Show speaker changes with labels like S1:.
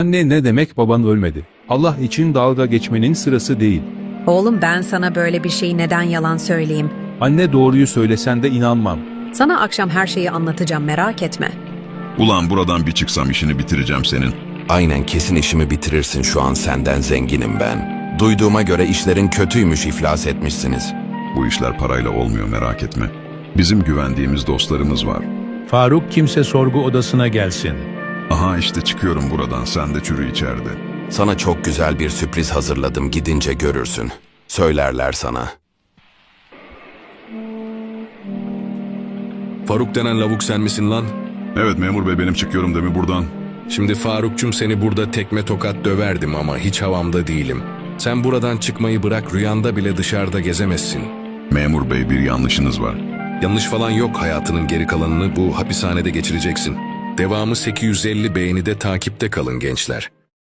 S1: Anne ne demek baban ölmedi? Allah için dalga geçmenin sırası değil.
S2: Oğlum ben sana böyle bir şeyi neden yalan söyleyeyim?
S1: Anne doğruyu söylesen de inanmam.
S2: Sana akşam her şeyi anlatacağım, merak etme.
S3: Ulan buradan bir çıksam işini bitireceğim senin.
S4: Aynen, kesin işimi bitirirsin, şu an senden zenginim ben. Duyduğuma göre işlerin kötüymüş, iflas etmişsiniz.
S3: Bu işler parayla olmuyor, merak etme. Bizim güvendiğimiz dostlarımız var.
S5: Faruk kimse sorgu odasına gelsin.
S3: Aha işte çıkıyorum buradan, sen de çürü içeride.
S4: Sana çok güzel bir sürpriz hazırladım, gidince görürsün. Söylerler sana.
S6: Faruk denen lavuk sen misin lan?
S3: Evet memur bey, benim, çıkıyorum değil mi buradan?
S6: Şimdi Faruk'cum seni burada tekme tokat döverdim ama hiç havamda değilim. Sen buradan çıkmayı bırak, rüyanda bile dışarıda gezemezsin.
S3: Memur bey, bir yanlışınız var.
S6: Yanlış falan yok, hayatının geri kalanını bu hapishanede geçireceksin. Devamı 850 beğenide takipte kalın gençler.